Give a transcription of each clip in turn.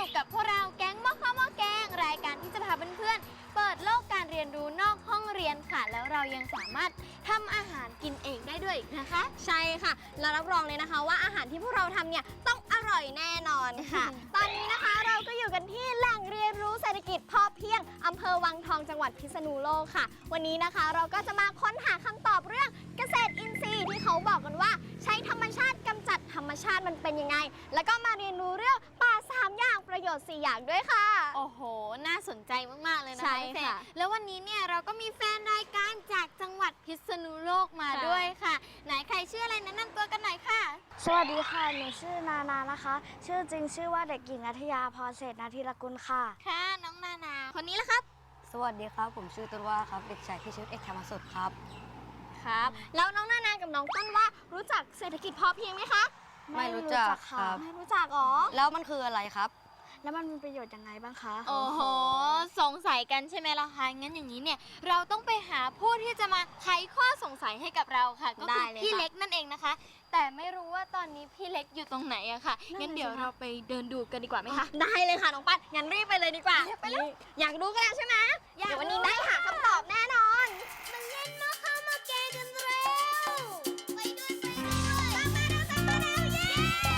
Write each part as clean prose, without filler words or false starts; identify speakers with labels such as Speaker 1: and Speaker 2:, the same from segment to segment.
Speaker 1: อยู่กับพวกเราแก๊งหม้อข้าวหม้อแกงรายการที่จะพาเพื่อนๆเปิดโลกการเรียนรู้นอกห้องเรียนค่ะแล้วเรายังสามารถทำอาหารกินเองได้ด้วยนะคะ
Speaker 2: ใช่ค่ะเรารับรองเลยนะคะว่าอาหารที่พวกเราทำเนี่ยต้องอร่อยแน่นอนค่ะ ตอนนี้นะคะเราก็อยู่กันที่แหล่งเรียนรู้เศรษฐกิจพอเพียงอำเภอวังทองจังหวัดพิษณุโลกค่ะ วันนี้นะคะเราก็จะมาค้นหาคำตอบเรื่องเกษตรอินทรีย์ที่เขาบอกกันว่าใช้ธรรมชาติกำจัดธรรมชาติมันเป็นยังไง แล้วก็มาเรียนรู้เรื่องป่า3อย่างประโยชน์4อย่างด้วยค่ะ
Speaker 1: โอ้โหน่าสนใจมากๆเลยนะคะ
Speaker 2: ใช่
Speaker 1: พี่เฟ
Speaker 2: ค่ะ
Speaker 1: ย์แล้ววันนี้เนี่ยเราก็มีแฟนรายการจากจังหวัดพิษณุโลกมาด้วยค่ะ ไหนใครชื่ออะไรแนะนำตัวกันหน่อยค่ะ
Speaker 3: สวัสดีค่ะ หนูชื่อนานานะคะ ชื่อจริงชื่อว่าเด็กหญิงนัทยาพรเศรษฐนาธิรกุลค่ะ
Speaker 1: ค่ะน้องนานาคนนี้ละครับ
Speaker 4: สวัสดีครับ ผมชื่อต้นว่าครับ เด็กชายพิชิตเอกธรรมสุดครับ
Speaker 2: ครับแล้วน้องนานากับน้องต้นว่ารู้จักเศรษฐกิจพอเพียงไหมคะ
Speaker 4: ไม่รู้จักครับ
Speaker 2: ไม่รู้จักอ๋อ
Speaker 4: แล้วมันคืออะไรครับ
Speaker 3: แล้วมันมีประโยชน์ยังไงบ้างคะ
Speaker 1: โอ้โหสงสัยกันใช่ไหมล่ะคะงั้นอย่างนี้เนี่ยเราต้องไปหาผู้ที่จะมาไขข้อสงสัยให้กับเราค่ะก็คือพี่เล็กนั่นเองนะคะ แต่ไม่รู้ว่าตอนนี้พี่เล็กอยู่ตรงไหนอะค่ะงั้นเดี๋ยวเราไปเดินดูกันดีกว่าไหมคะ
Speaker 2: ได้เลยค่ะน้องปัดงั้นรีบไปเลยดีกว่าไปเลยอยากรู้กันแล้วใช่ไหมเดี๋ยววันนี้ได้หาคำตอบแน่นอนมาเล่นมาเข้ามาแกกันเร็วไปด้วยตามมาเร็วเย้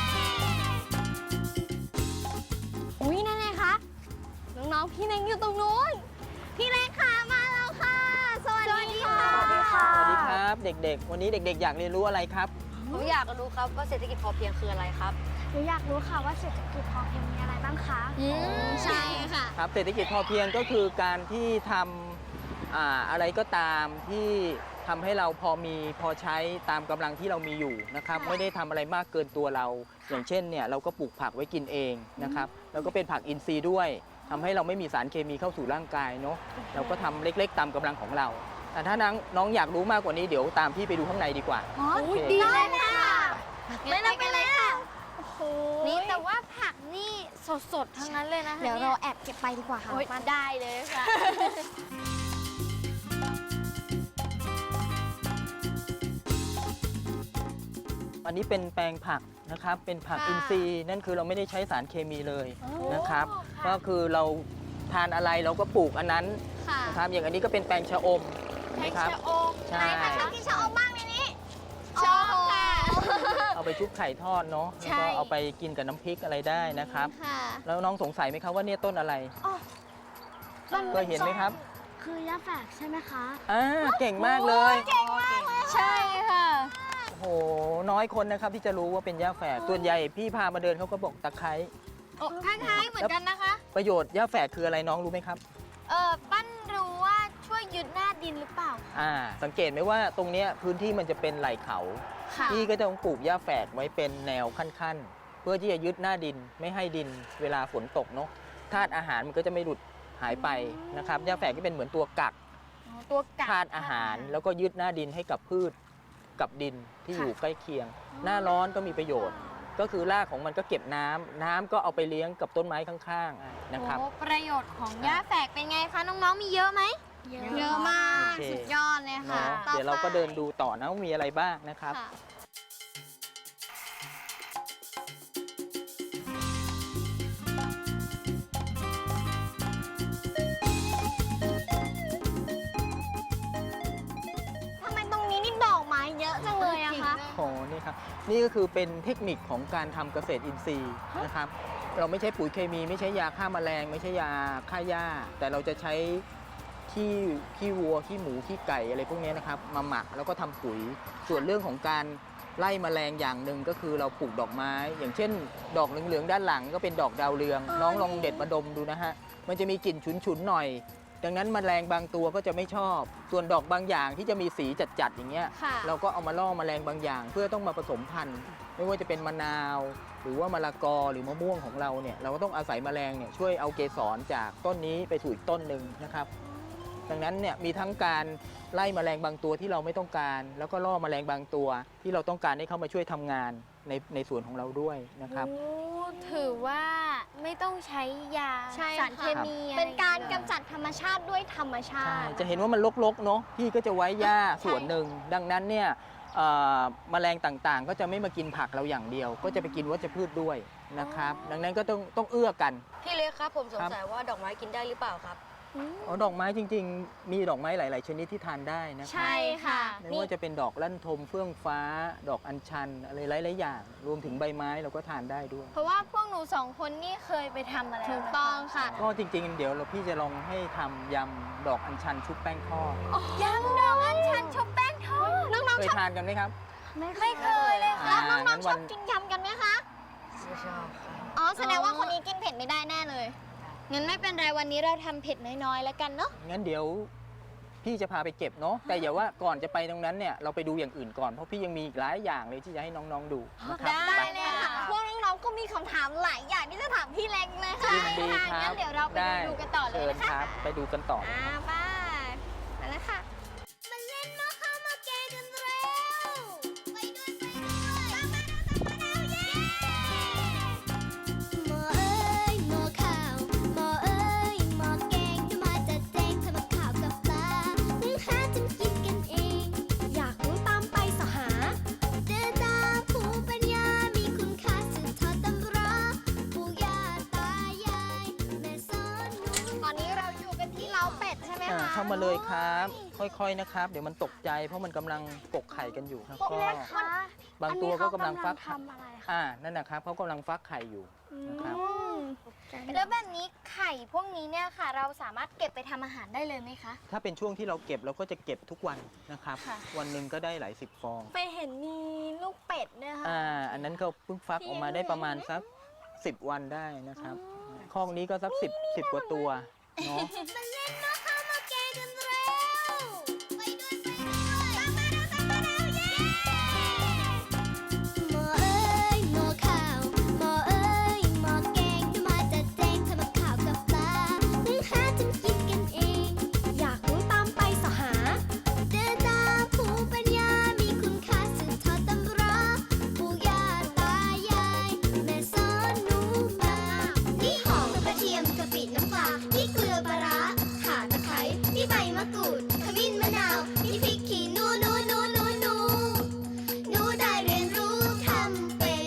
Speaker 2: อุ้ยนั่นไงคะน้องๆพี่เล็กอยู่ตรงนู้นพี่เล็กค่ะมาแล้วค่ะสวัสดีค่ะ
Speaker 3: สวัสดีค่ะ
Speaker 5: สวัสดีครับเด็กๆ วันนี้เด็กๆ อยากเรียนรู้อะไรครับ
Speaker 4: ผมอยากรู้ครับว่าเศรษฐกิจพอเพียงคืออะไรครับ
Speaker 3: หนูอยากรู้ค่ะว่าเศรษฐกิจพอเพียงมีอะไรบ้างคะ
Speaker 2: ใช่ค่ะ
Speaker 5: ครับเศรษฐกิจพอเพียงก็คือการที่ทำอะไรก็ตามที่ทำให้เราพอมีพอใช้ตามกำลังที่เรามีอยู่นะครับ
Speaker 2: ค่ะ
Speaker 5: ไม่ได้ทำอะไรมากเกินตัวเรา อย่างเช่นเนี่ยเราก็ปลูกผักไว้กินเองนะครับแล้วก็เป็นผักอินทรีย์ด้วยทำให้เราไม่มีสารเคมีเข้าสู่ร่างกายเนาะเราก็ทำเล็กๆ ตามกำลังของเรา แต่ถ้าน้องอยากรู้มากกว่านี้เดี๋ยวตามพี่ไปดูข้างในดีกว่า
Speaker 2: อ๋อ
Speaker 5: โอเค
Speaker 2: ดีเลยค่ะไปเลยค่ะโอ้โห
Speaker 1: นี่แต่ว่าผักนี่สดๆทั้งนั้นเลยนะคะ
Speaker 2: เดี๋ยวเราแอบเก็บไปดีกว่าค่ะ
Speaker 1: โอ๊ยมาได้เลยค่ะ
Speaker 5: อันนี้เป็นแปลงผักนะครับ เป็นผัก
Speaker 1: ค่ะ
Speaker 5: อินทรีย์นั่นคือเราไม่ได้ใช้สารเคมีเลย
Speaker 1: โอ้
Speaker 5: นะครับ
Speaker 1: ค่ะ
Speaker 5: ก็คือเราทานอะไรเราก็ปลูกอันนั้น
Speaker 1: ค่ะ
Speaker 5: นะครับ อย่างอันนี้ก็เป็นแปลงชะอม
Speaker 1: ใช้
Speaker 5: นะครับ
Speaker 1: ชะอม
Speaker 5: ใช่
Speaker 2: ไหนใครชอบกินชะอมบ้างในนี้
Speaker 1: ชอบค่ะ
Speaker 5: เอาไปชุบไข่ทอดเนาะ
Speaker 1: ใช่
Speaker 5: แล้วก็เอาไปกินกับน้ำพริกอะไรได้นะครับ
Speaker 1: ค่ะ
Speaker 5: แล้วน้องสงสัยไหมครับว่าเนี่ยต้นอะไรเคยเห็นไหมครับ
Speaker 3: คือย่าแฝกใช่ไหมคะ
Speaker 5: เก่งมากเลย
Speaker 1: ใช่ค่ะ
Speaker 5: โอ้โหน้อยคนนะครับที่จะรู้ว่าเป็นหญ้าแฝกส่วนใหญ่พี่พามาเดินเขาก็บอกตะไคร้
Speaker 1: โอ้คล้ายๆเหมือนกันนะคะ
Speaker 5: ประโยชน์หญ้าแฝกคืออะไรน้องรู้ไหมครับ
Speaker 1: ปั้นรู้ว่าช่วยยึดหน้าดินหรือเปล่า
Speaker 5: สังเกตไหมว่าตรงเนี้ยพื้นที่มันจะเป็นไหล่เขา
Speaker 1: ค่ะ
Speaker 5: พี่ก็จะต้องปลูกหญ้าแฝกไว้เป็นแนวขั้นๆ เพื่อที่จะยึดหน้าดินไม่ให้ดินเวลาฝนตกเนาะธาตุอาหารมันก็จะไม่หลุดหายไปนะครับหญ้าแฝกที่เป็นเหมือนตัวกัก
Speaker 1: ตัวกัด
Speaker 5: ธาตุอาหารแล้วก็ยึดหน้าดินให้กับพืชกับดินที่อยู่ใกล้เคียง หน้าร้อนก็มีประโยชน์ ก็คือรากของมันก็เก็บน้ำก็เอาไปเลี้ยงกับต้นไม้ข้างๆนะครับ
Speaker 1: โอ้ประโยชน์ของหญ้าแฝกเป็นไงคะน้องๆมีเยอะไหม
Speaker 2: เยอะมาก
Speaker 5: โอเค
Speaker 2: สุดยอดเลยค่ะ
Speaker 5: เนาะเดี๋ยวเราก็เดินดูต่อนะว่ามีอะไรบ้างนะครับ
Speaker 1: ค่ะ
Speaker 2: ทำไมตรงนี้นี่ดอกไม้เยอะจังเลยอะคะ
Speaker 5: โอ้นี่ครับนี่ก็คือเป็นเทคนิคของการทำเกษตรอินทรีย์นะครับ เราไม่ใช้ปุ๋ยเคมีไม่ใช้ยาฆ่าแมลง ไม่ใช่ยาฆ่าหญ้า แต่เราจะใช้ขี้วัวขี้หมูขี้ไก่อะไรพวกนี้นะครับมาหมักแล้วก็ทำปุ๋ย ส่วนเรื่องของการไล่แมลงอย่างหนึ่งก็คือเราปลูกดอกไม้ อย่างเช่น ดอกเหลืองๆด้านหลังก็เป็นดอกดาวเรือง น้องลองเด็ดมาดมดูนะฮะมันจะมีกลิ่นฉุนๆหน่อย ดังนั้นแมลงบางตัวก็จะไม่ชอบ ส่วนดอกบางอย่างที่จะมีสีจัดๆอย่างเงี้ย
Speaker 1: ค่ะ
Speaker 5: เราก็เอามาล่อแมลงบางอย่าง เพื่อต้องมาผสมพันธุ์ ไม่ว่าจะเป็นมะนาว หรือว่ามะละกอหรือมะม่วงของเราเนี่ยเราก็ต้องอาศัยแมลงเนี่ยช่วยเอาเกสรจากต้นนี้ไปสู่อีกต้นหนึ่งนะครับ ดังนั้นเนี่ยมีทั้งการไล่แมลงบางตัวที่เราไม่ต้องการ แล้วก็ล่อแมลงบางตัวที่เราต้องการให้เข้ามาช่วยทำงานในส่วนของเราด้วยนะครับ
Speaker 1: โอ้ถือว่าไม่ต้องใช้ยา
Speaker 2: ใช่
Speaker 1: สาร
Speaker 2: ค่ะ
Speaker 1: เคมีอะไร
Speaker 2: เป็นการกำจัดธรรมชาติด้วยธรรมชา
Speaker 5: ใช่
Speaker 2: ติ
Speaker 5: จะเห็นว่ามันรกๆเนาะพี่ก็จะไว้หญ้าส่วนหนึ่งดังนั้นเนี่ยแมลงต่างๆ ก็จะไม่มากินผักเราอย่างเดียว ก็จะไปกินวัชพืชด้วยนะครับ ดังนั้นก็ต้องเอื้อกัน
Speaker 4: พี่เล็กครับผมสงสัยว่าดอกไม้กินได้หรือเปล่าครับ
Speaker 5: อ๋อดอกไม้จริงๆ มีดอกไม้หลาย ๆ ชนิดที่ทานได้นะครับ
Speaker 1: ใช่ค่ะ
Speaker 5: ไม่ว่าจะเป็นดอกลั่นทมเฟื่องฟ้า ดอกอัญชันอะไรหลายๆอย่าง รวมถึงใบไม้เราก็ทานได้ด้วย
Speaker 1: เพราะว่าพวกหนู2 คนนี่เคยไปทำมาแล้ว
Speaker 2: ถูกต้องค่ะ
Speaker 5: ก็จริงๆ เดี๋ยวพี่จะลองให้ทำยำดอกอัญชันชุบแป้งทอด
Speaker 1: ยำดอกอัญชันชุบแป้งทอด
Speaker 5: เคยทานกันไหมครับ
Speaker 1: ไม่เคยเลยค่ะ
Speaker 2: แล้วน้องๆชอบกินยำกันไหมคะ
Speaker 4: ไม่ชอบครับ
Speaker 2: อ๋อ แสดงว่าคนนี้กินเผ็ดไม่ได้แน่เลย
Speaker 1: งั้นไม่เป็นไรวันนี้เราทำเผ็ดน้อยๆแล้วกันเนาะ
Speaker 5: งั้นเดี๋ยวพี่จะพาไปเก็บเนาะ แต่อย่าว่าก่อนจะไปตรงนั้นเนี่ยเราไปดูอย่างอื่นก่อน เพราะพี่ยังมีอีกหลายอย่างเลยที่จะให้น้องๆดูนะครับ
Speaker 2: ได้
Speaker 5: ไป
Speaker 2: เลยค่ะ พวกน้องๆก็มีคำถามหลายอย่างที่จะถามพี่เล็กเลยค่ะ
Speaker 5: ยินดี
Speaker 1: ค่ะ
Speaker 5: ครั
Speaker 1: งั้
Speaker 5: บ
Speaker 1: นเดี๋ยวเราไป
Speaker 5: ได้
Speaker 1: ดูกันต่อเลย
Speaker 5: เชิญ
Speaker 1: นะคะ
Speaker 5: ครับ ไปดูกันต่อ
Speaker 2: ไปไปแล้วค่ะมาเล่นมาเข้ามาแกงกันเร็วไปด้วยไปด้วยเย้หมอเอ้ยหมอข้าวหมอเอ้ยหมอแกงจะมาจัดแจงทำกับข้าวกับปลานึ่งหาจนกินกันเอง อยากรู้ตามไปสหาเดินตามภูมิปัญญามีคุณค่าสืบทอดตำราปู่ย่าตายายแม่สอนหนูตอนนี้เราอยู่กันที่เล้าเป็ดใช่ไหมคะ
Speaker 5: เข้ามาเลยครับ ค่อยๆนะครับ เดี๋ยวมันตกใจเพราะมันกำลังกกไข่กันอยู่ครับก็บางตัวก็กำลังฟัก
Speaker 3: ทำอะไรคะ
Speaker 5: นั่นนะครับเขากำลังฟักไข่อยู่นะครับ
Speaker 1: แล้วแบบนี้ไข่พวกนี้เนี่ยค่ะ เราสามารถเก็บไปทำอาหารได้เลยไหมคะ
Speaker 5: ถ้าเป็นช่วงที่เราเก็บเราก็จะเก็บทุกวันนะครับ
Speaker 1: ค่ะ
Speaker 5: วันหนึ่งก็ได้หลาย10 ฟอง
Speaker 2: ไปเห็นมีลูกเป็ดด้วยค่ะ
Speaker 5: อันนั้นเขาเพิ่งฟักออกมาได้ประมาณสัก 10 วันได้นะครับคอกนี้ก็สัก10 กว่าตัวเนาะ
Speaker 2: มาเล่นมาเข้ามาแกงกันเร็วไปด้วยไปด้วยตามมาเร็วเย้หมอเอ้ยหมอข้าวหมอเอ้ยหมอแกงจะมาจัดแจงทำกับข้าวกับปลานึ่งหาจนกินกันเอง อยากรู้ตามไปสหาเดินตามภูมิปัญญามีคุณค่าสืบทอดตำราปู่ย่าตายายแม่สอนหนูมานี่หอมกระเทียมกะปิน้ำปลานี่เกลือปลาร้าข่าตะไคร้นี่ใบมะกรูดขมิ้นมะนาวนี่พริกขี้หนูหนูได้เรียนรู้ทำเป็น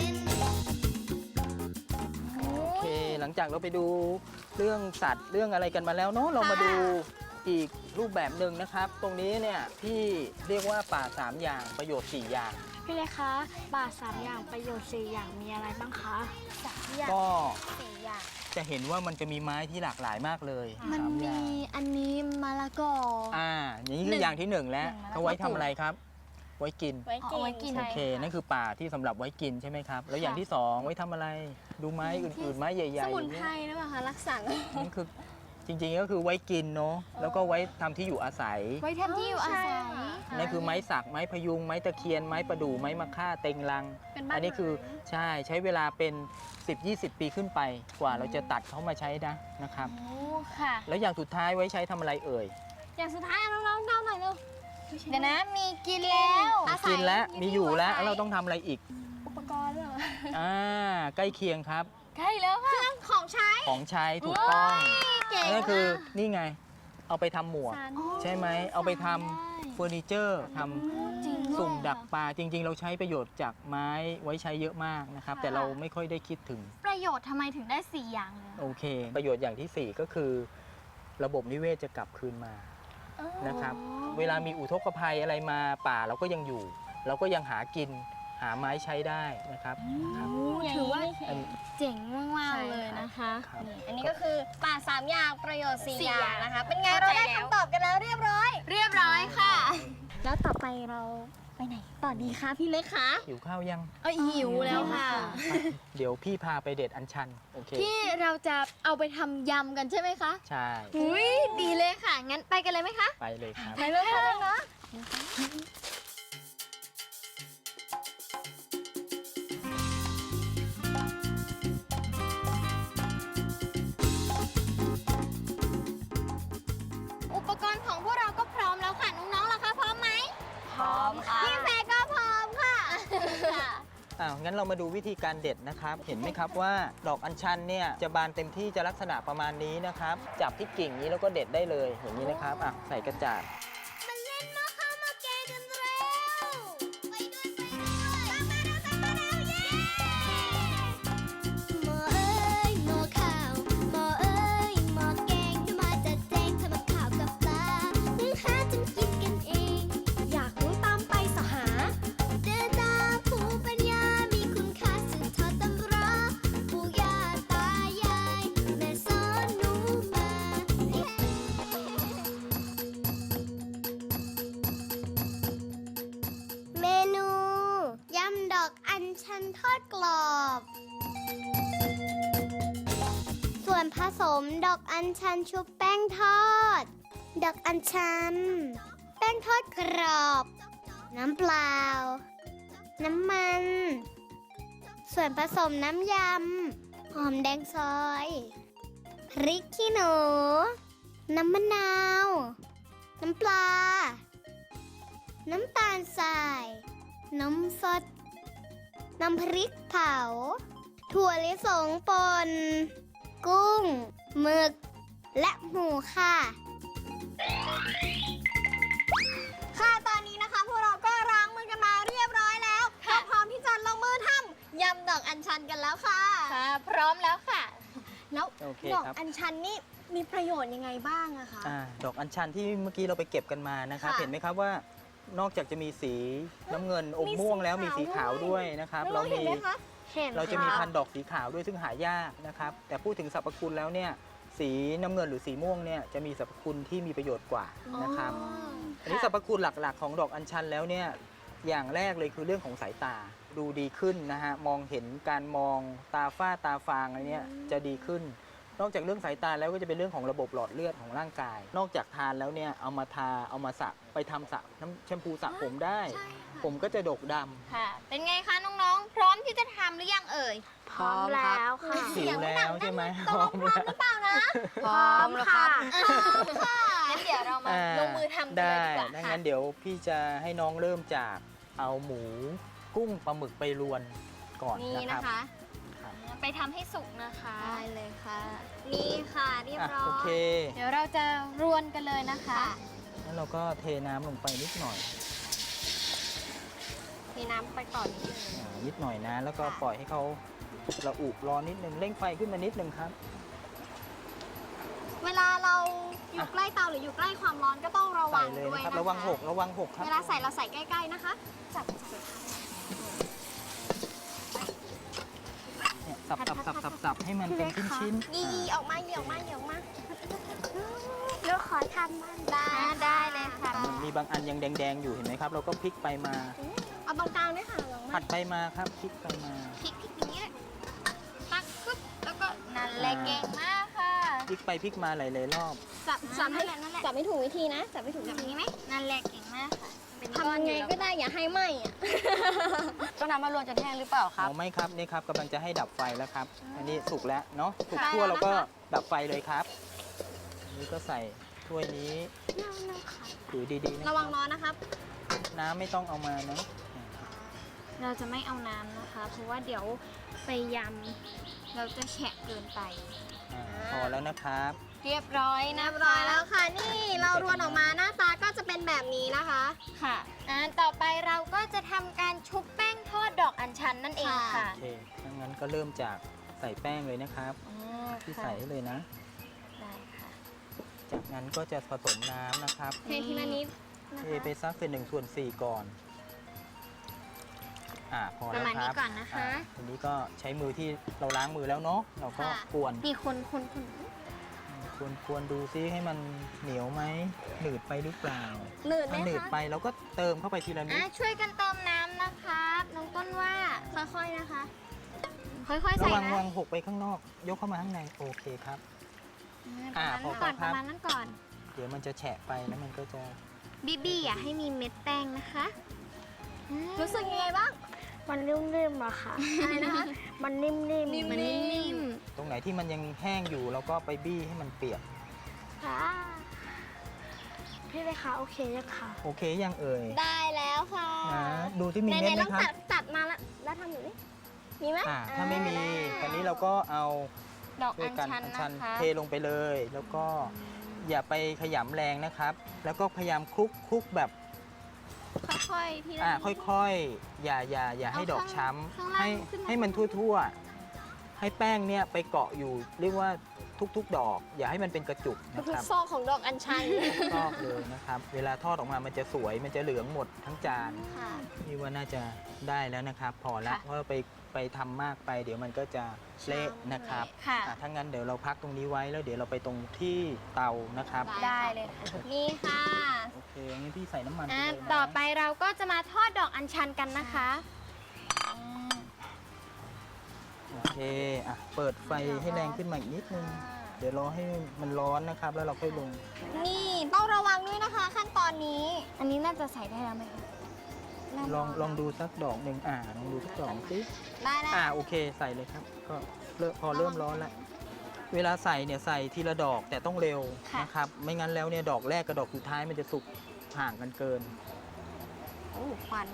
Speaker 5: โอเค หลังจากเราไปดูเรื่องสัตว์เรื่องอะไรกันมาแล้วเนาะเรามาดูอีกรูปแบบหนึ่งนะครับ ตรงนี้เนี่ยที่เรียกว่าป่า 3 อย่างประโยชน์ 4 อย่าง
Speaker 3: พี่เล็กคะป่า3 อย่างประโยชน์4 อย่างมีอะไรบ้างคะ
Speaker 5: ก็
Speaker 2: 4 อย่าง
Speaker 5: จะเห็นว่ามันจะมีไม้ที่หลากหลายมากเลย
Speaker 2: มัน
Speaker 5: สาอ
Speaker 2: มี
Speaker 5: ย่าง
Speaker 2: อันนี้มะละกอ
Speaker 5: อย่างนี้คืออย่างที่ 1 แล้วเขาไว้ทำอะไรครับ ไว้กิน
Speaker 1: ไว้กิน
Speaker 5: โอเค นั่นคือป่าที่สำหรับไว้กินใช่ไหมครับ แล้วอย่างที่ 2 ไว้ทำอะไร ดูไม้อื่นๆ ไม้ใหญ่ๆ
Speaker 2: สมุน
Speaker 5: อย่าง
Speaker 2: ไพร
Speaker 5: เงี้ย
Speaker 2: หรือเปล่าคะรักษา
Speaker 5: นั่นคือจริงๆก็คือไว้กินเนาะ แล้วก็ไว้ทำที่อยู่อาศัย
Speaker 1: ไว้ทำที่อยู่อาศัย
Speaker 5: นั่นคือไม้สัก ไม้พยุง ไม้ตะเคียน ไม้ประดู่ ไม้มะค่า เต็งรัง
Speaker 2: เป็นบ้าน
Speaker 5: อันนี้คือใช้เวลาเป็น 10-20 ปีขึ้นไปกว่าเราจะตัดเขามาใช้นะครับ
Speaker 1: โอ้ค่ะ
Speaker 5: แล้วอย่างสุดท้ายไว้ใช้ทำอะไรเอ่ย
Speaker 2: อย่างสุดท้ายน้องๆเดาหน่อยเร็ว
Speaker 1: เดี๋ยวนะมีกินแล้ว
Speaker 2: อาศัย
Speaker 5: กินแล้ว
Speaker 2: มี
Speaker 5: มีอยู่แล้ว
Speaker 2: อาศัย
Speaker 5: แล้วเราต้องทำอะไรอีก
Speaker 2: อุปกรณ์ด้วยเหรอ
Speaker 5: ใกล้เคียงครับ
Speaker 1: ใกล้แล้วค่ะ
Speaker 2: ของใช้
Speaker 5: ของใช้ถูกต้อง
Speaker 2: เก่ง
Speaker 5: นั่นคือนี่ไง เอาไปทำหมวก
Speaker 2: สาร
Speaker 5: ใช่ไหม เอาไปทำเฟอร์นิเจอร์ทำ
Speaker 1: จริง
Speaker 5: สุ่มดักปลา จริง ๆ เราใช้ประโยชน์จากไม้ไว้ใช้เยอะมากนะครับ แต่เราไม่ค่อยได้คิดถึง
Speaker 1: ประโยชน์ทำไมถึงได้ 4 อย่างเลย
Speaker 5: โอเค ประโยชน์อย่างที่ 4 ก็คือ ระบบนิเวศจะกลับคืนมานะครับ เวลามีอุทกภัยอะไรมาป่าเราก็ยังอยู่ เราก็ยังหากินหาไม้ใช้ได้นะครับครับ
Speaker 2: ถือว่า
Speaker 5: อัน
Speaker 1: เจ๋งมากๆเลยนะคะ
Speaker 5: ครับ
Speaker 2: อันนี้ก็คือป่า3 อย่างประโยชน์ 4
Speaker 1: 4
Speaker 2: อย่างนะคะ เป็นไง
Speaker 1: เข้า
Speaker 2: เรา
Speaker 1: ใจ
Speaker 2: ได้
Speaker 1: แล้ว
Speaker 2: คำตอบกันแล้วเรียบร้อย
Speaker 1: เรียบร้อยค่ะ
Speaker 2: แล้วต่อไปเราไปไหนต่อดีคะพี่เล็กคะ
Speaker 5: หิวข้าวยัง
Speaker 1: หิวแล้วค่ะ
Speaker 5: เดี๋ยวพี่พาไปเด็ดอัญชัน โอเค
Speaker 1: ที่เราจะเอาไปทำยำกันใช่ไหมคะ
Speaker 5: ใช่
Speaker 1: อุ้ยดีเลยค่ะ งั้นไปกันเลยไหมคะ
Speaker 5: ไปเลยครับ
Speaker 2: ไปเลยนะ
Speaker 1: อุปกรณ์ของพวกเราก็พร้อมแล้วค่ะ น้องๆล่ะคะพร้อมไหม
Speaker 4: พร้อมค่ะ
Speaker 2: พี่แฟก็พร้อมค่ะ
Speaker 5: งั้นเรามาดูวิธีการเด็ดนะครับ เห็นไหมครับว่าดอกอัญชันเนี่ยจะบานเต็มที่จะลักษณะประมาณนี้นะครับ จับที่กิ่งนี้แล้วก็เด็ดได้เลย อย่างนี้นะครับ ใส่กระจาด
Speaker 2: มาเล่นมาเข้ามาแกงกันเร็วไปอดกรอบ ส่วนผสมดอกอัญชันชุบแป้งทอด ดอกอัญชัน แป้งทอดกรอบ น้ำเปล่า น้ำมัน ส่วนผสมน้ำยำ หอมแดงซอย พริกขี้หนู น้ำมะนาว น้ำปลา น้ำตาลทราย น้ำสด น้ำพริกเผา ถั่วลิสงป่น กุ้ง หมึก และหมูค่ะ ค่ะตอนนี้นะคะพวกเราก็ล้างมือกันมาเรียบร้อยแล้วก็พร้อมที่จะลงมือทำยำดอกอัญชันกันแล้วค่ะ
Speaker 1: ค่ะ พร้อมแล้วค่ะ
Speaker 2: แล้ว
Speaker 5: โอเค
Speaker 2: ดอก
Speaker 5: ครับ
Speaker 2: อัญชันนี่มีประโยชน์ยังไงบ้างอะคะ
Speaker 5: ดอกอัญชันที่เมื่อกี้เราไปเก็บกันมานะครับ
Speaker 2: ค่ะ
Speaker 5: เห็นไหมครับว่านอกจากจะมีสีน้ำเงินอม
Speaker 2: มี
Speaker 5: ม่วงแล้ว
Speaker 2: สี
Speaker 5: มี
Speaker 2: ขาว
Speaker 5: สีขาว
Speaker 2: ด้
Speaker 5: ด้
Speaker 2: ว
Speaker 5: วย ยนะครับ
Speaker 2: น้องๆเห็นไหมคะ
Speaker 3: เห็น
Speaker 5: เราจะมี
Speaker 3: ค่
Speaker 5: พันธุ์ดอกสีขาวด้วยซึ่งหายากนะครับ แต่พูดถึงสรรพคุณแล้วเนี่ยสีน้ำเงินหรือสีม่วงเนี่ยจะมีสรรพคุณที่มีประโยชน์กว่านะครับ อันนี้สรรพคุณหลักๆของดอกอัญชันแล้วเนี่ยอย่างแรกเลยคือเรื่องของสายตาดูดีขึ้นนะฮะมองเห็นการมองตาฝ้าตาฟางอะไรเนี่ยจะดีขึ้น นอกจากเรื่องสายตาแล้วก็จะเป็นเรื่องของระบบหลอดเลือดของร่างกาย นอกจากทานแล้วเนี่ยเอามาทาเอามาสระไปทำสระน้ำแชมพูสระผมได้ ผมก็จะดกดำ
Speaker 1: ค่ะ เป็นไงคะน้องๆ พร้อมที่จะทำหรือยังเอ่ย
Speaker 3: พร้อมแล้วค่ะ
Speaker 5: สิวแล้วใช่ไหม
Speaker 2: ตกลงพร้อมหรือเปล่านะ
Speaker 4: พร้อมแล้วครับ
Speaker 1: งั้นเดี๋ยวเรามาลงมือทำกันเลยดีกว่า
Speaker 5: ได้
Speaker 1: ค่ะ
Speaker 5: งั้นเดี๋ยวพี่จะให้น้องเริ่มจากเอาหมูกุ้งปลาหมึกไปรวนก่อน
Speaker 2: นี่
Speaker 5: นะ
Speaker 2: นะ
Speaker 5: ครั
Speaker 2: คะ
Speaker 5: บ
Speaker 1: ไปทำให้สุกนะคะ
Speaker 2: ได้เลยค่ะ นี่ค่ะเรียบร้อ
Speaker 5: โอย เค
Speaker 1: เดี๋ยวเราจะรวนกันเลยนะคะ
Speaker 5: แล้วเราก็เทน้ำลงไปนิดหน่อย
Speaker 2: มีน้ำไปก่อนนิดนึง
Speaker 5: นิดหน่อยนะ แล้วก็
Speaker 2: ค่ะ
Speaker 5: ปล่อยให้เขาระอุร้อนนิดนึงเร่งไฟขึ้นมานิดนึงครับ
Speaker 2: เวลาเราอยู่ใกล้เตาหรืออยู่ใกล้ความร้อนก็ต้องระวั
Speaker 5: ใส่
Speaker 2: ง
Speaker 5: เลย
Speaker 2: ด้วย
Speaker 5: นะครับ
Speaker 2: นะคะ
Speaker 5: ระวังหกครับ
Speaker 2: เวลาใส่เราใส่ใกล้ๆนะคะจับ
Speaker 5: เนี่ยสับให้มันเป็นชิ้นๆ
Speaker 2: ยีออกมาเหยี่ยวมาเหยี่ยวมา
Speaker 3: ลูกขอทำบ้าง
Speaker 1: ได้เลยค่ะ
Speaker 5: มีบางอันยังแดงๆอยู่เห็นไหมครับ เราก็พลิกไปมา
Speaker 2: เอาตรงกลางด้วยค่ะระวัง
Speaker 5: ผัดไปมาครับพลิกไปมา
Speaker 1: พลิกอย่างนี้เลยตักปึ๊บแล้วก็นั่นแหละเก่งมากค่ะ
Speaker 5: พลิกไปพลิกมาหลายๆรอบ
Speaker 2: จับให้
Speaker 1: นั่นแหละ
Speaker 2: จับไม่ถูกวิธีนะจับไม่ถูก
Speaker 1: แบ
Speaker 2: วิ
Speaker 1: บ
Speaker 2: ธี
Speaker 1: นี้ไหมนั่นแหละเก่งมากค่ะเป็นก้อ
Speaker 2: ทำ
Speaker 1: น
Speaker 2: ยัง
Speaker 1: อยู่
Speaker 2: ไง
Speaker 1: แล้ว
Speaker 2: ก็ได้อย่าให้ไหม้อะ
Speaker 4: ต้องนำมารวนจนแห้งหรือเปล่าครับ
Speaker 5: เอาไหม่ครับนี่ครับกำลังจะให้ดับไฟแล้วครับ อันนี้สุกแล้วเนาะสุก
Speaker 1: ค่ะ
Speaker 5: ทั่วเราก็ดับไฟเลยครับอันนี้ก็ใส่ถ้วยนี้ถือดีๆนะ
Speaker 2: ระวังร้อนนะครับ
Speaker 5: น้ำไม่ต้องเอามานะ
Speaker 1: เราจะไม่เอาน้ำนะคะ เพราะว่าเดี๋ยวไปยำเราจะแฉะเกินไป
Speaker 5: พอแล้วนะครับ
Speaker 1: เรียบร้อยนะ
Speaker 2: เรียบร้อยแล้วค่ะ นี่เรารวนออกมาหน้าตาก็จะเป็นแบบนี้นะคะ
Speaker 1: ค่ะต่อไปเราก็จะทำการชุบแป้งทอดดอกอัญชันนั่นเองค่ะ
Speaker 5: โอเคถ้างั้นก็เริ่มจากใส่แป้งเลยนะครับที่ใส่ให้เลยนะ
Speaker 1: ได้ค่ะ
Speaker 5: จากนั้นก็จะผสมน้ำนะครับ
Speaker 2: เททีละนิดนะ
Speaker 5: เท
Speaker 2: คะ
Speaker 5: ไปสักเป็น1/4ก่อนพอ
Speaker 1: ป
Speaker 5: แล้
Speaker 1: ระ
Speaker 5: ว
Speaker 1: มาณ
Speaker 5: ค
Speaker 1: นี้
Speaker 5: รับ
Speaker 1: ก่อนนะคะ
Speaker 5: ทีนี้ก็ใช้มือที่เราล้างมือแล้วเนาะเราก็กวน
Speaker 1: มีคน
Speaker 5: กวนดูซิให้มันเหนียวไหมหนืดไปหรือเปล่า
Speaker 2: หนืดไหม
Speaker 5: ถ้าหนืด
Speaker 2: คะ
Speaker 5: ไปเราก็เติมเข้าไปทีละนิด
Speaker 1: ช่วยกันเติมน้ำนะคะน้องต้นว่า
Speaker 2: ค่อยๆนะคะ
Speaker 1: ค่อยๆ
Speaker 5: ระ
Speaker 1: ใส่
Speaker 5: วัง
Speaker 1: นะ
Speaker 5: วางหกไปข้างนอก ยกเข้ามาข้างในโอเคครับ
Speaker 1: ประมาณนั้นก่อน
Speaker 5: เดี๋ยวมันจะแฉะไปแล้วมันก็จะ
Speaker 1: บี้อย่าให้มีเม็ดแป้งนะคะ
Speaker 2: รู้สึกยังไงบ้าง
Speaker 3: มันนิ่มๆอะค่ะ
Speaker 2: อะไรนะคะ
Speaker 3: มันนิ่มๆ
Speaker 1: มันนิ่ม
Speaker 5: ตรงไหนที่มันยังแห้งอยู่เราก็ไปบี้ให้มันเปียก
Speaker 3: ค่ะพี่เลยคะโอเคยังคะ
Speaker 5: โอเคยังเอ่ย
Speaker 2: ได้แล้วค่ะ
Speaker 5: นะดูที่มี
Speaker 2: ไห
Speaker 5: เม็ด
Speaker 2: นๆ
Speaker 5: ไห
Speaker 2: ล
Speaker 5: ม
Speaker 2: อง
Speaker 5: ครับ
Speaker 2: ตัดมาแล้วทำอยู่นี่มีไหม
Speaker 5: ถ้าไม่มีคราวนี้เราก็เอา
Speaker 1: ๆ ดอก
Speaker 5: ด้ว
Speaker 1: อั
Speaker 5: ย
Speaker 1: ญ
Speaker 5: กัน
Speaker 1: ชัน
Speaker 5: อัญ
Speaker 1: นะ
Speaker 5: ชัน
Speaker 1: คะ
Speaker 5: เทลงไปเลย แล้วก็อย่าไปขยำแรงนะครับ แล้วก็พยายามคลุกแบบ
Speaker 1: ค่อยๆทีละ
Speaker 5: ค่อยๆ อย่าให้ดอกช้ำ
Speaker 1: ข้างล่าง
Speaker 5: ให้
Speaker 1: ขึ้นมา
Speaker 5: ให้มันทั่วๆ ให้แป้งเนี่ยไปเกาะอยู่เรียกว่าทุกๆ ดอก อย่าให้มันเป็นกระจุกนะ
Speaker 2: ทุ
Speaker 5: ค
Speaker 2: ก
Speaker 5: รับ
Speaker 2: ซอกของดอกอัญชัน
Speaker 5: ชอบเลยนะครับ เวลาทอดออกมามันจะสวยมันจะเหลืองหมดทั้งจาน
Speaker 2: ค่ะ
Speaker 5: นี่ว่าน่าจะได้แล้วนะครับ พอละเพราะว่าไปทำมากไป เดี๋ยวมันก็จะเละนะครับ
Speaker 1: ค่ะ
Speaker 5: ถ้างั้นเดี๋ยวเราพักตรงนี้ไว้แล้วเดี๋ยวเราไปตรงที่เตานะครับ
Speaker 1: ได้เลยค่ะ
Speaker 2: นี่ค่ะ
Speaker 5: โอเคงั้นพี่ใส่น้ำมันไปเลยนะ
Speaker 1: ต่อไปเราก็จะมาทอดดอกอัญชันกันนะคะ
Speaker 5: เคอ่ะเปิดไฟให้แรงขึ้นมาอีกนิดนึง เดี๋ยวรอให้มันร้อนนะครับ แล้วเราค่อยลง
Speaker 2: นี่ต้องระวังด้วยนะคะ ขั้นตอนนี้
Speaker 1: อันนี้น่าจะใส่ได้แล้วไหมคะ
Speaker 5: ลองดูสักดอกหนึ่งลองดูสักดอกสิ
Speaker 2: ได้แล้ว
Speaker 5: โอเคใส่เลยครับ ก็พอเริ่มร้อนแล้ว เวลาใส่เนี่ยใส่ทีละดอกแต่ต้องเร็วนะครับ ไม่งั้นแล้วเนี่ยดอกแรกกับดอกสุดท้ายมันจะสุกห่างกันเกิน
Speaker 2: โอ้ควัน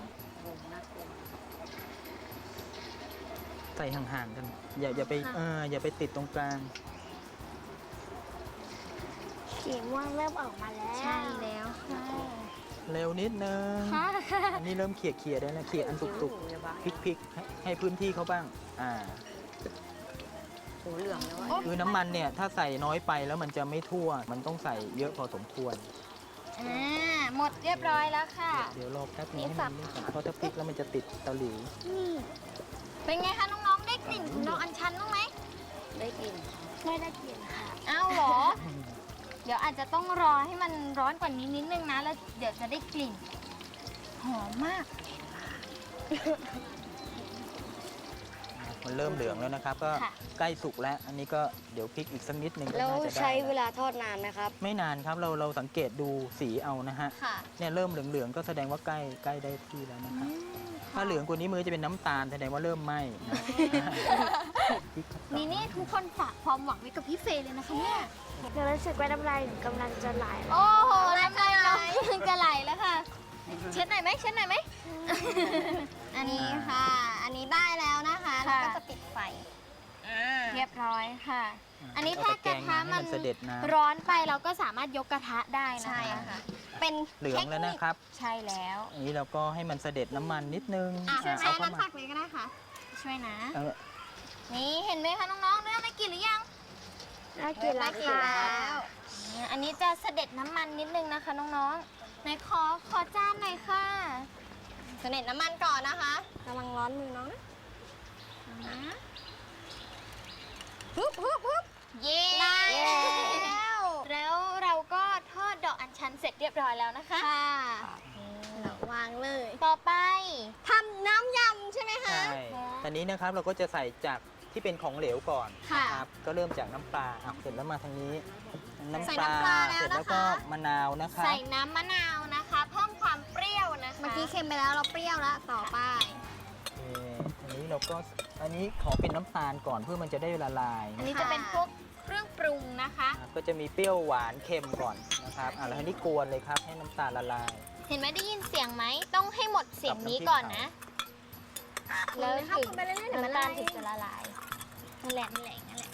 Speaker 5: ใส่ห่างๆกัน อย่าไปอย่าไปติดตรงกลาง
Speaker 3: สีม่วงเริ่มออกมาแล้ว
Speaker 1: ใช่แล้วค่ะ
Speaker 5: เร็วนิดนึง อันนี้เริ่มเขี่ยได้แล้วเขี่ยอันสุกๆพลิกๆให้พื้นที่เขาบ้าง
Speaker 4: หูเหลืองแล้วอะ
Speaker 5: คือน้ำมันเนี่ยถ้าใส่น้อยไปแล้วมันจะไม่ทั่ว มันต้องใส่เยอะพอสมควร
Speaker 1: หมดเรียบร้อยแล้วค่ะ
Speaker 5: เดี๋ยวรอแป๊บนึงให้มันนิ่งก่อนเพราะถ้าพลิกแล้วมันจะติดตะหลิว
Speaker 1: เป็นไงคะน้องๆ ได้กลิ่นของดอกอัญชันบ้างไหม
Speaker 4: ได้กลิ่น
Speaker 3: ไม่ได้กลิ่นค่ะ
Speaker 1: อ้าวเหรอ เดี๋ยวอาจจะต้องรอให้มันร้อนกว่านี้นิดนึงนะ แล้วเดี๋ยวจะได้กลิ่น หอมมาก
Speaker 5: มันเริ่มเหลืองแล้วนะครับ ก็
Speaker 1: ค่ะ
Speaker 5: ใกล้สุกแล้ว อันนี้ก็เดี๋ยวพลิกอีกสักนิดนึงก็
Speaker 4: แล้ว
Speaker 5: น่าจะได้
Speaker 4: ใช้เวลาทอดนานไหมครับ
Speaker 5: ไม่นานครับเราสังเกตดูสีเอานะฮะ
Speaker 1: ค่ะ
Speaker 5: เนี่ยเริ่มเหลืองๆก็แสดงว่าใกล้ได้ที่แล้วนะครับ ถ้าเหลืองกว่านี้มือจะเป็นน้ำตาลแสดงว่าเริ่มไหม้นะ
Speaker 1: นี่ทุกคนฝากความหวังไว้กับพี่เฟย์เลยนะคะเนี่ย
Speaker 3: หนูรู้สึกว่าน้ำลายหนูกำลังจะไหล
Speaker 1: โอ้โหน้ำลายน้องจะไหลแล้วค่ะ เช็ดหน่อยไหมเช็ดหน่อยไหม
Speaker 2: อันนี้ค่ะ อันนี้ได้แล้วนะคะแล้วก็จะปิดไฟ
Speaker 1: เรียบร้อยค่ะ อันนี้ถ้ากระทะมัน
Speaker 5: เสด็จน้ำ
Speaker 1: ร้อนไปเราก็สามารถยกกระทะได้นะคะ
Speaker 2: ใช่ค่ะ เป็น
Speaker 5: เหลืองแล้วนะครับ
Speaker 1: ใช่แล้ว
Speaker 5: อันนี้เราก็ให้มันเสด็จน้ำมันนิดนึง
Speaker 2: ช่วยไหม
Speaker 5: เอา
Speaker 2: น้ำ
Speaker 5: เข้ามา
Speaker 2: ตักเลยก็ได้ค่ะ
Speaker 1: ช่วยนะ
Speaker 5: เออ
Speaker 1: นี่เห็นไหมคะน้องๆเริ่มได้กลิ่นหรือยัง
Speaker 3: ได้กลิ่นแล้ว
Speaker 2: ได้กลิ่น
Speaker 3: ค่ะ
Speaker 2: แล้ว
Speaker 1: อันนี้จะเสด็จน้ำมันนิดนึงนะคะน้องๆไหนขอจานหน่อยค่ะ
Speaker 2: เสด็จน้ำมันก่อนนะคะกำลังร้อนมือน้องนะฮึบ
Speaker 1: เย้
Speaker 2: ได้แล้ว
Speaker 1: แล้วเราก็ทอดดอกอัญชันเสร็จเรียบร้อยแล้วนะคะ
Speaker 2: ค่ะวางเลย
Speaker 1: ต่อไป
Speaker 2: ทำน้ำยำใช่ไหมคะ
Speaker 5: ใช่ตอนนี้นะครับเราก็จะใส่จากที่เป็นของเหลวก่อน
Speaker 2: ค่ะ
Speaker 5: ครับก็เริ่มจากน้ำปลาเสร็จแล้วมาทางนี้
Speaker 2: ใส่น้ำปลาแล้ว
Speaker 5: เสร็จแล้ว
Speaker 2: นะคะ
Speaker 5: ก็มะนาวนะครับ
Speaker 1: ใส่น้ำมะนาวนะคะเพิ่มความเปรี้ยวนะคะ
Speaker 2: เมื่อกี้เค็มไปแล้วเราเปรี้ยวแล้วต่อไป
Speaker 5: อันนี้เราก็อันนี้ขอเป็นน้ำตาลก่อนเพื่อมันจะได้ละลาย
Speaker 1: อันนี้จะเป็นพวกเครื่องปรุงนะคะ
Speaker 5: ก็จะมีเปรี้ยวหวานเค็มก่อนนะครับแล้วทีนี้กวนเลยครับให้น้ำตาลละลาย
Speaker 1: เห็นไหมได้ยินเสียงไหมต้องให้หมดเสียงนี้ก่อนนะ แล้ว
Speaker 2: เลยครับ
Speaker 1: ถึง
Speaker 2: คุณไปเรื่อยๆเดี๋ยวมัน
Speaker 1: น้ำตาล
Speaker 2: ละลาย
Speaker 1: ถึงจะละลายนั่นแหละนั่นแหละนั่นแหละ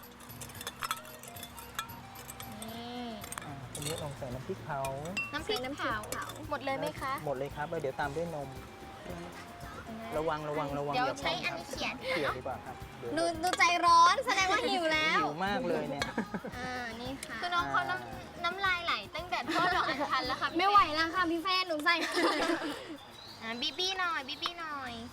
Speaker 1: นี่
Speaker 5: ทีนี้ลองใส่น้ำพริกเผา
Speaker 1: น้ำพริกเผาหมดเลยไหมคะ
Speaker 5: หมดเลยครับแล้วเดี๋ยวตามด้วยนม ระวัง
Speaker 1: เดี๋ยว
Speaker 5: อย่า
Speaker 1: ใช้
Speaker 5: เพิ่ง
Speaker 1: อันนี้เขียน
Speaker 5: เขี่ยดีกว่าครับเดี๋ยว
Speaker 2: ดูใจร้อนแสดงว่าหิวแล้ว
Speaker 5: หิวมากเลยเนี่ย
Speaker 2: นี่ค่ะ
Speaker 1: คือน้องเขาน้ำลายไหลตั้งแต่ทอดดอกอัญชันแล้วค่ะพี่
Speaker 2: ไม่ไหวแล้วค่ะพี่แฟนหนูใส่
Speaker 1: บีบี้หน่อยบีบี้หน่อย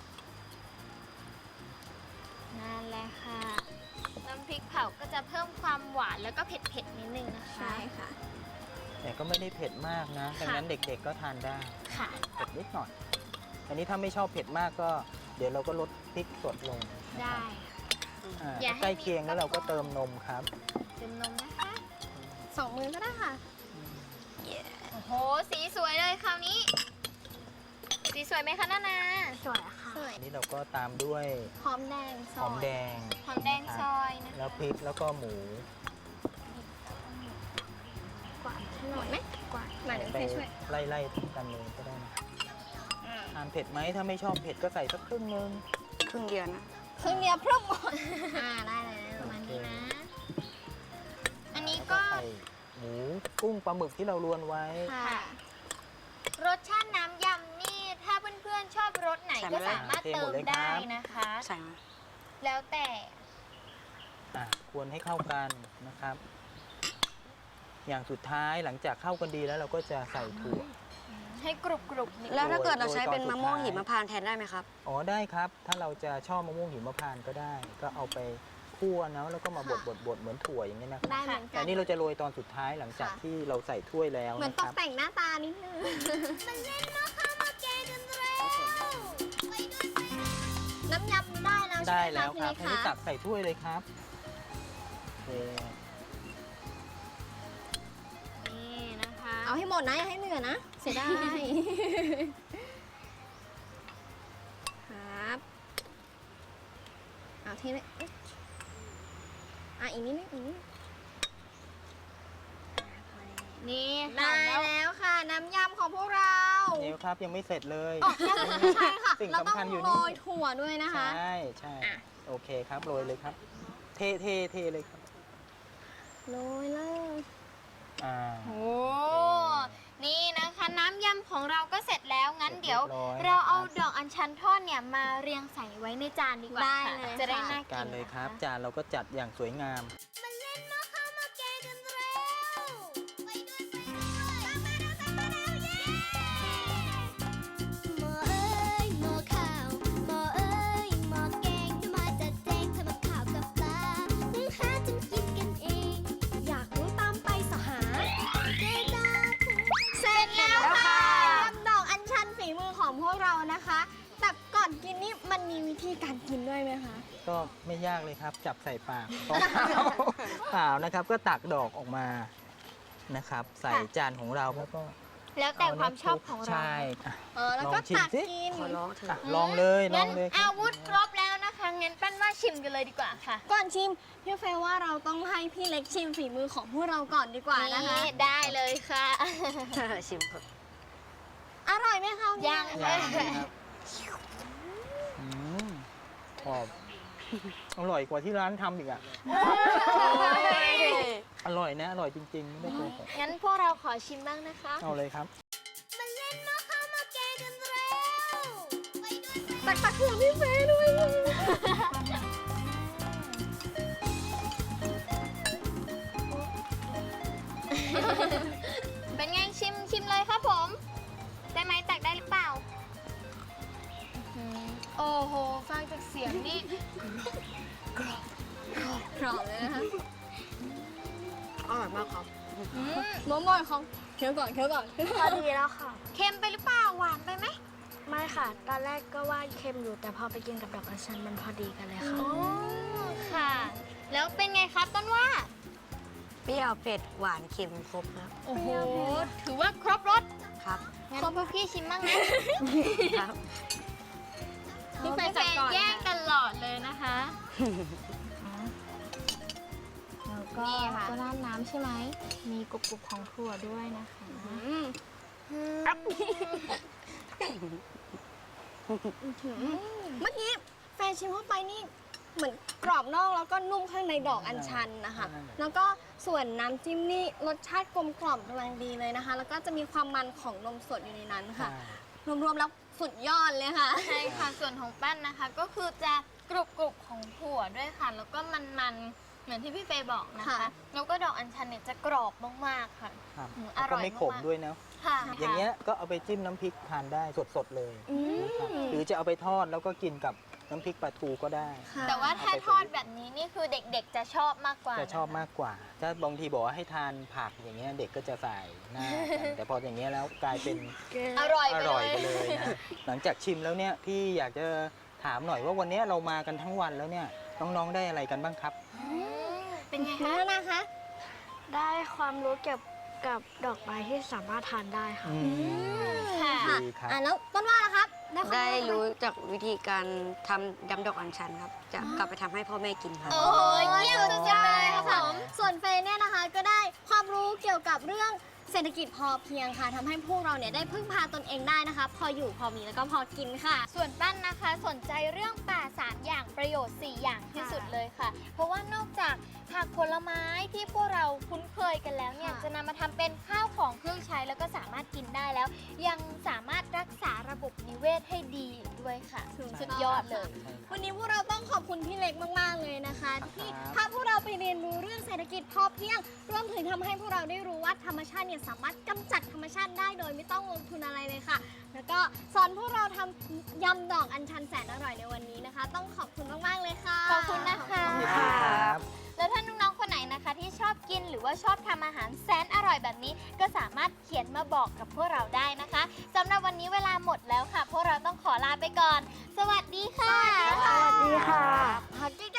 Speaker 1: นั่นแหละค่ะน้ำพริกเผาก็จะเพิ่มความหวานแล้วก็เผ็ดๆนิดนึงนะคะ
Speaker 2: ใช่ค่ะ
Speaker 5: แต่ก็ไม่ได้เผ็ดมากนะดังนั้นเด็กๆก็ทานได้
Speaker 1: ค่ะ
Speaker 5: เผ็ดนิดหน่อย อันนี้ถ้าไม่ชอบเผ็ดมากก็ เดี๋ยวเราก็ลดพริกสดลงนะค
Speaker 1: ได้
Speaker 5: รับ
Speaker 1: อย่าให้
Speaker 5: ใกล้เคียงแล้วเราก็เติมนมครับ
Speaker 1: เติมนมนะคะ
Speaker 2: สองมือก็ได้ค่ะ
Speaker 1: โอ้โหสีสวยเลยคราวนี้ สีสวยไหมคะนานา
Speaker 3: สวยค่ะ
Speaker 2: สวย
Speaker 5: อันนี้เราก็ตามด้วย
Speaker 2: หอมแดงซ
Speaker 5: ห
Speaker 2: อ
Speaker 5: อม
Speaker 2: ย
Speaker 5: แดง
Speaker 1: หอมแดงซอยนะคะ
Speaker 5: แล้วพริกแล้วก็หมู
Speaker 2: กวาดหน่อยไหมกวาดมาเดี๋ยว
Speaker 5: ไป
Speaker 2: เฟยช่วย
Speaker 5: ไล่ๆกันเลยก็ได้นะทานเผ็ดไหมถ้าไม่ชอบเผ็ดก็ใส่สักครึ่งนึง
Speaker 4: ครึ่งเดียวนะ
Speaker 2: ครึ่งเดียวพรุ่งหมดได้แล้ว
Speaker 1: ประมาณนี้นะ อันนี้
Speaker 5: แล้ว
Speaker 1: ก็
Speaker 5: ใส่หมูกุ้งปลาหมึกที่เรารวนไว้
Speaker 2: ค่ะ
Speaker 1: รสชาติน้ำยำนี่ ถ้าเพื่อนๆชอบรสไหนก็สามารถเติมได้นะคะ
Speaker 4: ใส่มา
Speaker 1: แล้วแต่
Speaker 5: ควรให้เข้ากันนะครับ อย่างสุดท้ายหลังจากเข้ากันดีแล้วเราก็จะใส่ถั่ว
Speaker 1: ให้กรุบๆนิด
Speaker 4: แล้วถ้าเกิดเราใช้เป็น
Speaker 5: โดยตอน
Speaker 4: มะม่วง
Speaker 5: สุดท้าย
Speaker 4: หิมพานต์แทนได้ไหมครับ
Speaker 5: อ๋อได้ครับ ถ้าเราจะชอบมะม่วงหิมพานต์ก็ได้ ก็เอาไปคั่วนะแล้วก็มาบดเหมือนถั่วอย่างนี้ยนะครับ
Speaker 2: ได้เหมือนกั
Speaker 5: แต่
Speaker 2: น
Speaker 5: นี่เราจะโรยตอนสุดท้ายหลังจาก
Speaker 2: ค่ะ
Speaker 5: ที่เราใส่ถ้วยแล้ว
Speaker 2: เหมือน
Speaker 5: นะ
Speaker 2: ต
Speaker 5: ค
Speaker 2: ก
Speaker 5: รับ
Speaker 2: แต่งหน้าตานิดนึงน้ำยำได้แล้วแล้วใช่
Speaker 5: ได้
Speaker 2: ไหม
Speaker 5: แล้
Speaker 2: คะ
Speaker 5: ว
Speaker 2: พี่
Speaker 5: ครั
Speaker 2: เล็
Speaker 5: บ
Speaker 2: ก
Speaker 5: ให้
Speaker 2: คะ
Speaker 5: ตักใส่ถ้วยเลยครับโอเค
Speaker 1: นี่นะคะ
Speaker 2: เอาให้หมดนะอย่าให้เหลือนะ เสียดายครับเอาทีนี้อีกนิดนึงอีกนิดนึง
Speaker 1: นี่ค่ะ
Speaker 2: ได้
Speaker 1: แล้ว
Speaker 2: แล้วค่ะ น้ำยำของพวกเรา
Speaker 5: เดี๋ยวครับยังไม่เสร็จเลย
Speaker 2: อ๋อใช่ค่ะ
Speaker 5: สิ่ง
Speaker 2: เราต้อ
Speaker 5: สำคัญ
Speaker 2: ง
Speaker 5: อยู่
Speaker 2: โร
Speaker 5: นี่
Speaker 2: ยถั่วด้วยนะคะ
Speaker 5: ใช่ใช่โอเคครับโรยเลยครับ เทเลยครับ
Speaker 2: โรยเลย
Speaker 5: อ่า
Speaker 1: โอ้นี่นะคะน้ำยำของเราก็เสร็จแล้วงั้นเดี๋ยว
Speaker 5: เรียบร้อย
Speaker 1: เราเอาดอกอัญชันทอดเนี่ยมาเรียงใส่ไว้ในจานดีกว่า
Speaker 2: ได้
Speaker 1: ค่ะ
Speaker 2: เลย
Speaker 1: จะได้
Speaker 2: ค่ะ
Speaker 1: น่า
Speaker 5: การ
Speaker 1: กิน
Speaker 5: เลยครับ
Speaker 1: นะะ
Speaker 5: จานเราก็จัดอย่างสวยงาม
Speaker 6: หม้อเอ้ยหม้อข้าวหม้อเอ้ยหม้อแกงจะมาจัดแจงทำกับข้าวกับปลานึ่งหาจนกินกันเอง อยากรู้ตามไปสหาเจดา
Speaker 2: เสร็จแล้วค่ะยำดอกอัญชันฝีมือของพวกเรานะคะ แต่ก่อนกินนี่มันมีวิธีการกินด้วยไหมคะ
Speaker 5: ก็ไม่ยากเลยครับ จับใส่ปากเปล่านะครับ ก็ตักดอกออกมานะครับ ใส่จานของเราแล้วก็
Speaker 1: แล้วแต่ความชอบของเรา
Speaker 5: ใช่อ่ะ
Speaker 2: แล้วก็
Speaker 5: ลองชิม
Speaker 2: ตัก
Speaker 5: สิ
Speaker 2: กิน
Speaker 5: อ่ะลองเลยล
Speaker 1: งั้
Speaker 5: อน งเลยครั
Speaker 1: อา
Speaker 5: บ
Speaker 1: วุธครบแล้วนะคะงั้นปั้นว่าชิมกันเลยดีกว่าค่ะ
Speaker 2: ก่อนชิมพี่เฟยว่าเราต้องให้พี่เล็กชิมฝีมือของพวกเราก่อนดีกว่านะคะ
Speaker 1: นี่ได้เลยค่ะ
Speaker 4: ชิมครับ
Speaker 2: อร่อยไหมคะ
Speaker 1: ยัง
Speaker 5: ยังนะครับอืมกรอบอร่อยกว่าที่ร้านทำอีกอ่ะ อร่อยนะ อร่อยจริงๆ ไม่ได้โกหก
Speaker 1: งั้นพวกเราขอชิมบ้างนะคะ
Speaker 5: เอาเลยครับ
Speaker 6: มาเล่นหม้อข้าวหม้อแกงกันเร็วไปด้วย
Speaker 2: ตักเผื่อพี่เฟยด้วย
Speaker 1: เป็นไงชิมเลยครับผม ได้ไหมตักได้หรือเปล่าโอ้โหฟังจากเสียงนี่
Speaker 2: กรอบเลยนะคะ
Speaker 4: อร่อยมากครับ
Speaker 2: มอมอยของเคี้ยวก่อน
Speaker 3: พอดีแล้วค่ะ
Speaker 1: เค็มไปหรือเปล่าหวานไปไหม
Speaker 3: ไม่ค่ะ ตอนแรกก็ว่าเค็มอยู่ แต่พอไปกินกับดอกอัญชันมันพอดีกันเลยค่ะ
Speaker 1: อ๋อค่ะ แล้วเป็นไงครับต้นว่า
Speaker 4: เปรี้ยวเผ็ดหวานเค็มครบครับ
Speaker 1: โอ้โห ถือว่าครบรส
Speaker 4: ครับ
Speaker 1: งั้นพวกพี่ชิมบ้างนะ
Speaker 4: ครับ
Speaker 2: พี่เฟยจัดก่อน
Speaker 1: แย่งตลอดเลยนะคะ
Speaker 3: แล้วก็
Speaker 1: นี่ค่ะ
Speaker 3: ก็ราดน้ำใช่ไหม มีกรุบๆของถั่วด้วยนะคะ
Speaker 2: เมื่อกี้แฟนชิมเข้าไปนี่เหมือนกรอบนอกแล้วก็นุ่มข้างในดอกอัญชันนะคะ
Speaker 5: ใช่
Speaker 2: แล้วก็ส่วนน้ำจิ้มนี่รสชาติกลมกล่อมกำลังดีเลยนะคะ แล้วก็จะมีความมันของนมสดอยู่ในนั้นค่ะ รวมๆแล้วสุดยอดเลยค่ะ
Speaker 1: ใช่ค่ะ ส่วนของปั้นนะคะ ก็คือจะกรุบๆของถั่วด้วยค่ะ แล้วก็มันๆ เหมือนที่พี่เฟย์บอกนะคะ
Speaker 2: ค่ะ
Speaker 1: แล้วก็ดอกอัญชันเนี่ยจะกรอบมากๆค่ะ
Speaker 5: ครับ
Speaker 1: อร่อย
Speaker 5: แล้วก็ไม่ขม
Speaker 1: มากๆ
Speaker 5: ด้วยนะ
Speaker 1: ค่ะ
Speaker 5: อย่างเงี้ยก็เอาไปจิ้มน้ำพริกทานได้สดๆเลยนะครับหรือจะเอาไปทอดแล้วก็กินกับน้ำพริกปลาทูก็ได้
Speaker 2: ค่ะ
Speaker 1: แต่ว่าถ้าทอดแบบนี้นี่คือเด็กๆจะชอบมากกว่า
Speaker 5: จะชอบมากกว่า ถ้าบางทีบอกว่าให้ทานผักอย่างเงี้ยเด็กก็จะใส่หน้ากันแต่พออย่างเงี้ยแล้วกลายเป็น
Speaker 1: อร่อย
Speaker 5: อ
Speaker 1: ไป
Speaker 5: ร่อย
Speaker 1: เล
Speaker 5: ไปเลย ยนะ หลังจากชิมแล้วเนี่ยพี่อยากจะถามหน่อยว่าวันนี้เรามากันทั้งวันแล้วเนี่ยน้องๆได้อะไรกันบ้างครับ
Speaker 1: เป็นไง
Speaker 2: แล้
Speaker 1: คะ
Speaker 2: วนะคะ
Speaker 3: ได้ความรู้เกี่ยวกับดอกไม้ที่สามารถทานได้ค่ะ
Speaker 1: ค่ะ
Speaker 5: ดีครับ
Speaker 2: แล้วต้นว่าล่ะครับ ความ
Speaker 4: ได้
Speaker 2: อะห
Speaker 4: รู้จากวิธีการทำยำดอกอัญชันครับ จะกลับไปทำให้พ่อแม่กินครับ
Speaker 1: โอ้ยเยี่ยมสุดยอดเลยค่ะผม
Speaker 2: ส่วนเฟยเนี่ยนะคะก็ได้ความรู้เกี่ยวกับเรื่องเศรษฐกิจพอเพียงค่ะทำให้พวกเราเนี่ยได้พึ่งพาตนเองได้นะคะ พออยู่พอมีแล้วก็พอกินค่ะ
Speaker 1: ส่วนปั้นนะคะสนใจเรื่องป่า 3 อย่างประโยชน์ 4 อย่างที่สุดเลยค่ะ เพราะว่านอกจากผักผลไม้ที่พวกเราคุ้นเคยกันแล้วเนี่ย
Speaker 2: ค่ะ
Speaker 1: จะนำมาทำเป็นข้าวของเครื่องใช้แล้วก็สามารถกินได้แล้ว ยังสามารถรักษาระบบนิเวศให้ดีอีกด้วยค่ะ สุดยอดเลย
Speaker 2: วันนี้พวกเราต้องขอบคุณพี่เล็กมากๆเลยนะคะ ที่
Speaker 5: ครับ
Speaker 2: พาพวกเราไปเรียนรู้เรื่องเศรษฐกิจพอเพียงรวมถึงทำให้พวกเราได้รู้ว่าธรรมชาติเนี่ยสามารถกำจัดธรรมชาติได้โดยไม่ต้องลงทุนอะไรเลยค่ะ แล้วก็สอนพวกเราทำยำดอกอัญชันแสนอร่อยในวันนี้นะคะ ต้องขอบคุณมากๆเลยค่ะ
Speaker 1: ขอบคุณนะคะ
Speaker 5: ยินดีครับ
Speaker 1: แล้วถ้าน้องๆ คนไหนนะคะที่ชอบกินหรือว่าชอบทำอาหารแสนอร่อยแบบนี้ ก็สามารถเขียนมาบอกกับพวกเราได้นะคะสำหรับวันนี้เวลาหมดแล้วค่ะ พวกเราต้องขอลาไปก่อน สวัสดีค่ะ
Speaker 3: สวัสดีค่ะ
Speaker 2: พัก